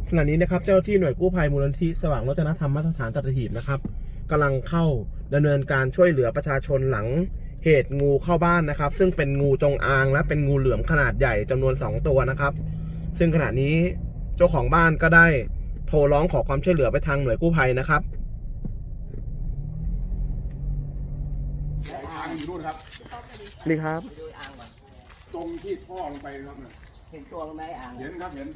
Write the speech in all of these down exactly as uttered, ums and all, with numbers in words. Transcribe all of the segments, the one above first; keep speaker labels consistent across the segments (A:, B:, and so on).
A: ขณะนี้นะครับเจ้าหน้าที่หน่วยกู้ภัยมูลนิธิสว่างโรจนธรรมมาตรฐานสัตหีบนะครับกำลังเข้าดำเนินการช่วยเหลือประชาชนหลังเหตุงูเข้าบ้านนะครับซึ่งเป็นงูจงอางและเป็นงูเหลือมขนาดใหญ่จำนวนสองตัวนะครับซึ่งขณะนี้เจ้าของบ้านก็ได้โทรร้องขอความช่วยเหลือไปทางหน่วยกู้ภัยนะครับ
B: อ่างอยู่นู่นครับ
A: นี่ครับ
B: ตรงที่ท่อลงไปครับเนี่ย
C: เห็นตัวไหมอ่าง
B: เห็นครับเห็น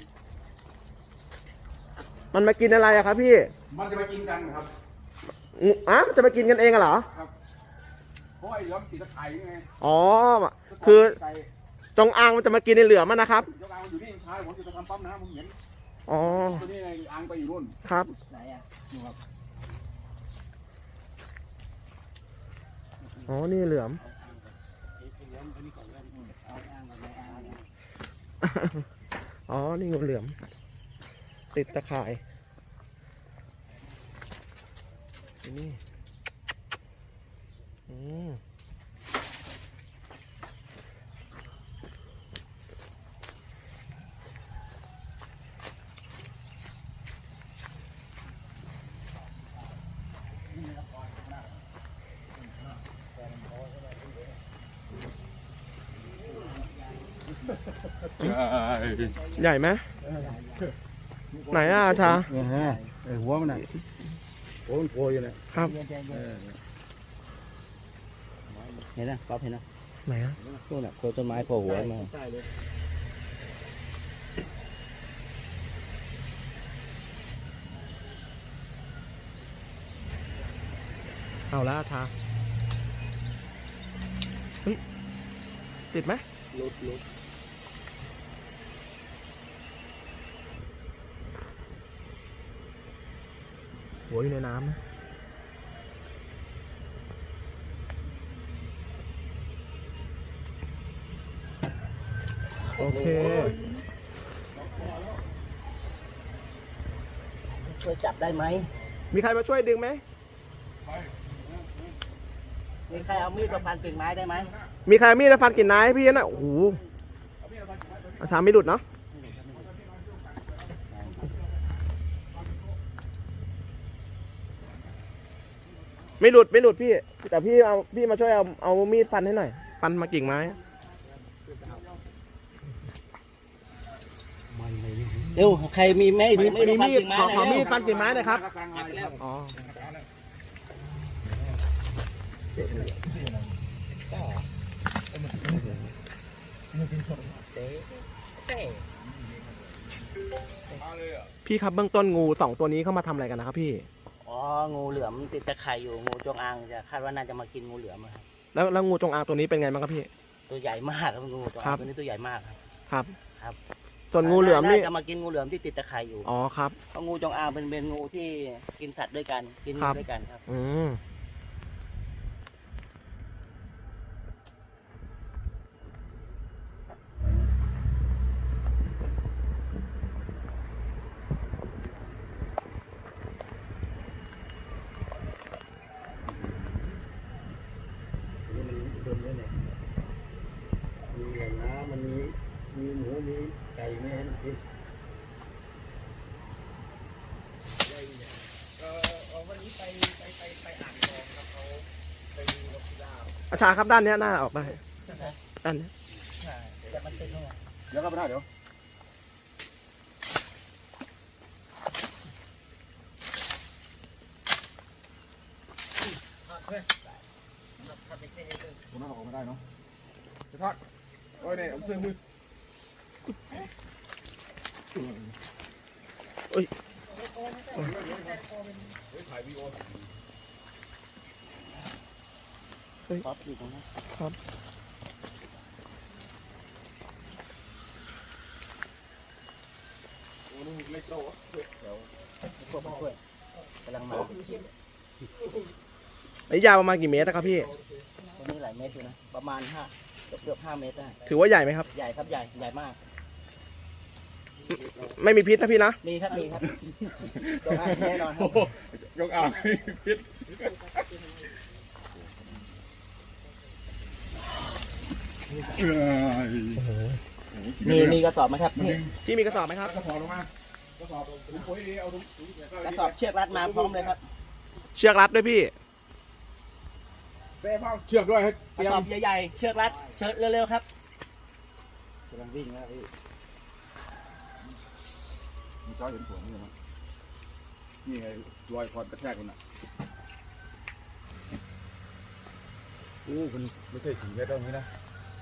A: มันมากินอะไรอะครับพี่
B: มันจะมากินกันครับ
A: อ่ะมันจะมากินกันเองเหรอ
B: ครับเพราะไอ้เหลือมติดตะไคร้ไง
A: อ๋อคือจงอางมันจะมากินในเหลือมนะครับ
B: จงอางอยู่นี่ชายผมจะไปทำปั๊มน้ำผมเห็น
A: อ๋อ
B: ตัวนี้ไงอ่างไปอยู่นู่น
A: ครับ
C: ไหนอ่ะ
B: อยู่ครับ
A: อ๋อนี่เหลือมอ๋อนี่งูเหลือมติดตะข่ายนี่อืมใหญ่ไหมไหนอ่ะชา
B: ไอ้หัวมันน่ะหัวมันโผล่อยู่เนี่ย
A: ครับ
C: เห็นนะก๊อฟเห็นนะ
A: ไหนอ่ะ
C: นู่นน่ะโคนต้นไม้โผล่หัวมา
A: เอาละชาเฮ้ยติดไหม
C: ลุดลุด
A: หัวอยู่ในน้ำนะโอเค
C: ช่วยจับได้ไหม
A: มีใครมาช่วยดึงไหม
C: มีใครเอามีดมาฟันกิ่งไม้ได้ไหม
A: มีใครมีดมาฟันกิ่งไม้พี่นะโอ้โหอาชาไม่หลุดเนาะไม่หลุดไม่หลุดพี่แต่พี่เอาพี่มาช่วยเอาเอามีดฟันให้หน่อยฟันมากิ่งไม้
C: เร็วใครมีไม่
A: มีมีมีดขอขอมีดฟันกิ่งไม้หน่อยครับอ๋อพี่ครับเบื้องต้นงูสองตัวนี้เข้ามาทำอะไรกันนะครับพี่
C: อ๋องูเหลือมติดตะไคร่อยู่งูจงอางจะคาดว่าน่าจะมากินงูเหลือมครับ
A: แล้วแล้วงูจงอางตัวนี้เป็นไงบ้างครับพี่
C: ตัวใหญ่มากครับงูจงอางตัวนี้ตัวใหญ่มากครับ
A: ครับ
C: ครับ
A: ส่วนงูเหลือมนี่
C: จะมากินงูเหลือมที่ติดตะไคร่อยู่
A: อ๋อครับ
C: เพราะงูจงอางเป็นเป็นงูที่กินสัตว์ด้วยกันกินด้วยกันครับ
A: อืม
C: มีแหล่งน้ำมันมีมีหมูมีไก่ไม่ให้กินวันนี้ไปไปไปไปอ่างทองครับเขาไปดูนกพิราบ
A: อาชาครับด้านนี้หน้าออกได้ด้านนี้
C: ใช่เดี๋ยวมันติดเข้ามา
B: เดี๋ยวเข้าไปได้เดี๋ยวผมน่าออกไม่ได้เนาะจะทักโอ้ยเนี่ยผมซื้อมือ
A: โอ้ย
B: ถ่ายวีโอ
C: ครับอยู่ตรงนั้น
A: ครับ
B: โอ้นี่เล็กโตเดี๋ยว
C: พวกช่วยกำลังมา
A: ระยะประมาณกี่เมตรนะครับพี่
C: ตัวนี้หลายเมตรอยู่นะประมาณห้าเกือบเกือบห้าเมตรได้
A: ถือว่าใหญ่ไหมครับ
C: ใหญ่ครับใหญ่ใหญ่มาก
A: ไม่มีพิษนะพี่นะ
C: มีครับมีครับยกอ่างแน่นอนครับ
B: ยกอ่างไม่มีพิษ
C: มีมีกระสอบไหมครับพี่
A: พี่มีกระสอบไหมครับ
B: กระสอบลงมากระสอบถุงปุ๋ยดีเอาถุงถุง
C: กระสอบเชือกรัดมาพร้อมเลยครับ
A: เชือกรัดด้วยพี่
B: เซ่พ่อเชือกด้วยให้
C: ก
B: เตรี
C: ระ
B: ย
C: สอ
B: ม
C: บใหญ่ๆเชือกรัดเชือกเร็วๆครับ
B: กำลังวิ่งนะพี่มีจ้อยเห็นผลนี่มั้ยนี่ไงรอยคอนกระแทกมันอ่ะโอ้มันไม่ใช่สีแค่ตรงนี้นะ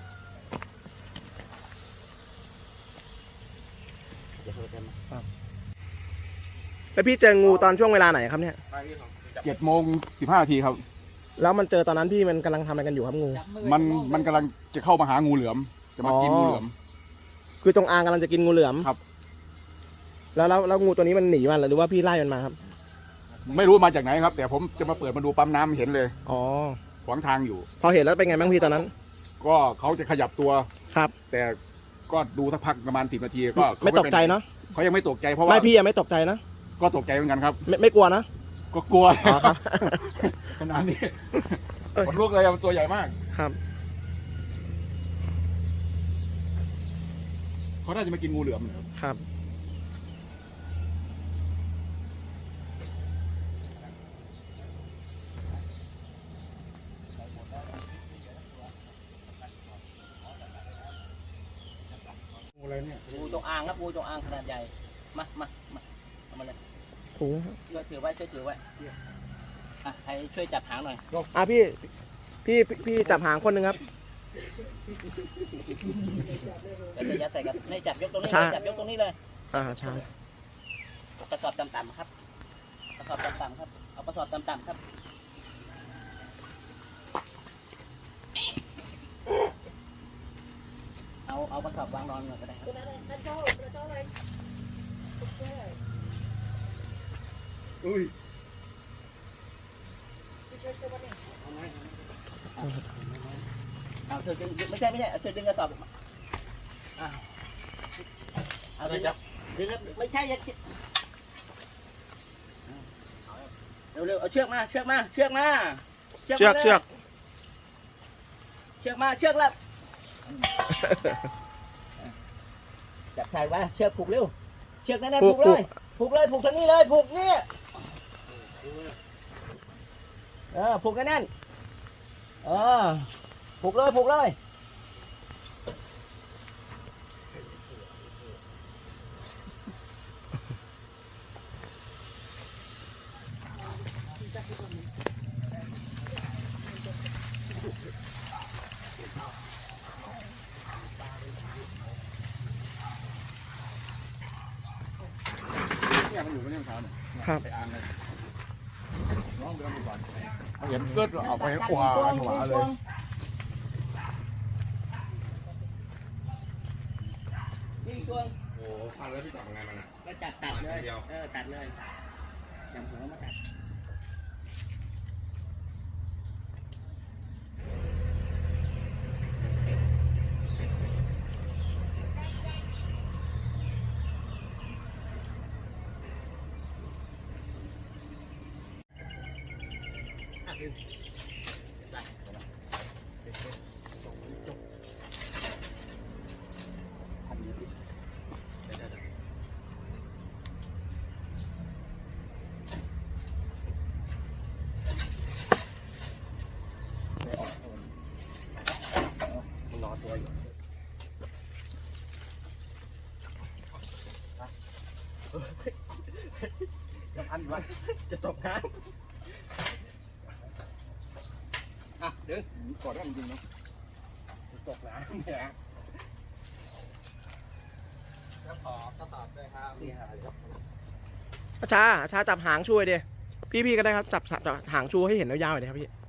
A: แล้วพี่เจองูตอนช่วงเวลาไหนครับเนี่ย
B: เจ็ดโมงสิบห้านาทีครับ
A: แล้วมันเจอตอนนั้นพี่มันกำลังทำอะไรกันอยู่ครับงู
B: มันมันกำลังจะเข้ามาหางูเหลือม จะมากินงูเหลือม
A: คือจงอางกำลังจะกินงูเหลือม
B: ครับ
A: แล้วแล้วแล้วงูตัวนี้มันหนีมันหรือว่าพี่ไล่มันมาครับ
B: ไม่รู้มาจากไหนครับ แต่ผมจะมาเปิดมาดูปั๊มน้ำเห็นเลย
A: อ๋อ
B: ขวางทางอยู่
A: พอเห็นแล้วเป็นไงบ้างพี่ตอนนั้น
B: ก็เขาจะขยับตัว
A: ครับ
B: แต่ก็ดูสักพักประมาณสิบนาทีก็เขา
A: ไม่ตกใจเนาะ
B: เขายังไม่ตกใจเพราะว่า
A: ไม่พี่ยังไม่ตกใจนะ
B: ก็ตกใจเหมือนกันครับ
A: ไม่ไม่กลัวนะ
B: ก็กลัว
A: อ๋อครับ
B: ขนาดนี้
A: เอ้ย
B: ขนลุกเลยมันตัวใหญ่มาก
A: ครับ
B: เขาน่าจะมากินงูเหลือมนะครับ
A: ครับ
B: งูอะไรเนี่ย
C: งูจงอางครับงูจงอางขนาดใหญ่มามามาเอามาเลย
A: โอ้โห
C: ช่วยถือไว้ช่วยถือไว้อ่ะใครช่วยจับหางหน่อย
A: อ่ะพี่พี่พี่พี่จับหางคนหนึ่งครับ
C: แล้วจะยัดใส่กันไม่จับยกตรงนี้
A: ใช่
C: เลยจับยกตรงนี้เลย
A: อ่าใช่
C: กระสอบต่ำๆครับกระสอบต่ำๆครับเอากระสอบต่ำๆครับเอาเอากระสอบวางนอนก่อนก็ได้ครับ
B: อุ้ย
C: เอาเธอดึงไม่ใช่ไม่ใช่เอาเธอดึงกระสอบมาอ่ะเอาดึงดึงแล้วไม่ใช่อยัดเร็วเร็วๆเอาเชือกมาเชือกมาเชือกมา
A: เชือก
C: มาลย
A: เชือก
C: เชือกมาเชือกแล้วจับใส่ไว้เชือกผูกเร็วเชือกแน่ๆผูกเลยผูกเลยผูกทางนี้เลยผูกนี่เออผูกแน่นๆเออผูกเลยผูกเลย
B: เนี่ยมันอยู่ไม่ใช่เท้าเนี่ย
A: ครับ
B: ไปอ่างเลยน้องไปลองดูก่อนเขาเห็นเกิดเอาไปขวาขวาเลย
C: นี่ตัว
B: โอ้พันแล้วพี่จับยังไงมันอ่ะ
C: ก็จับตัดเลย
B: เดียว
C: เออตัดเลยจับหัวมาตัดอ่ะดึงได้รอตัวอยู่จะพันวะจะตกน้ำอ่ะดึง
B: กอดได้จริงๆเนาะ
C: ตกน้ำเนี่ยแล้วขอกระสอบด้วยครับนี่ครับ
A: อาชาอาชาจับหางช่วยดิพี่พี่ก็ได้ครับจับจับจับหางชูให้เห็นยาวๆหน่อยดิครับพี่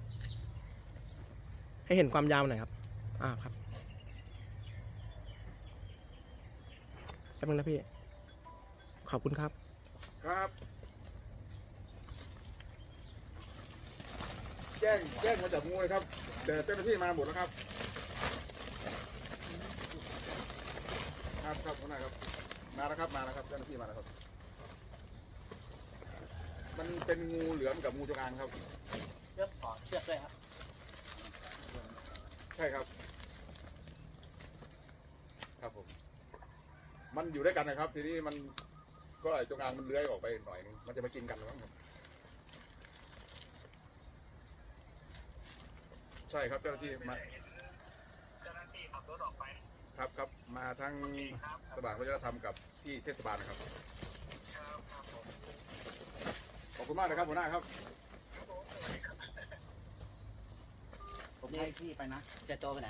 A: ให้เห็นความยาวหน่อยครับอ่าครับแป๊บนึงนะพี่ขอบคุณครับ
B: ครับแจ้งแจ้งมาจับงูเลยครับแต่เจ้าหน้าที่มาหมดแล้วครับครับครับหัวหน้าครับมาแล้วครับมาแล้วครับเจ้าหน้าที่มาแล้วครับมันเป็นงูเหลือมกับงูจงอางครับ
C: เชือกขอเชือกด้วยครับ
B: ใช่ครับ ครับผม มันอยู่ด้วยกันนะครับ ทีนี้มันก็ไอ้จงอางมันเลื้อยออกไปหน่อยนึงมันจะมากินกันหรือมั้งใช่ครับเจ้าหน้าที่มาเจ้าหน้าที่ขับรถออกไปครับครับมาทั้งสว่างวัฒนธรรมกับที่เทศบาลนะครับขอบคุณมากนะครับหัวหน้าครับผมให้พี่ไปนะจะโตไปไหน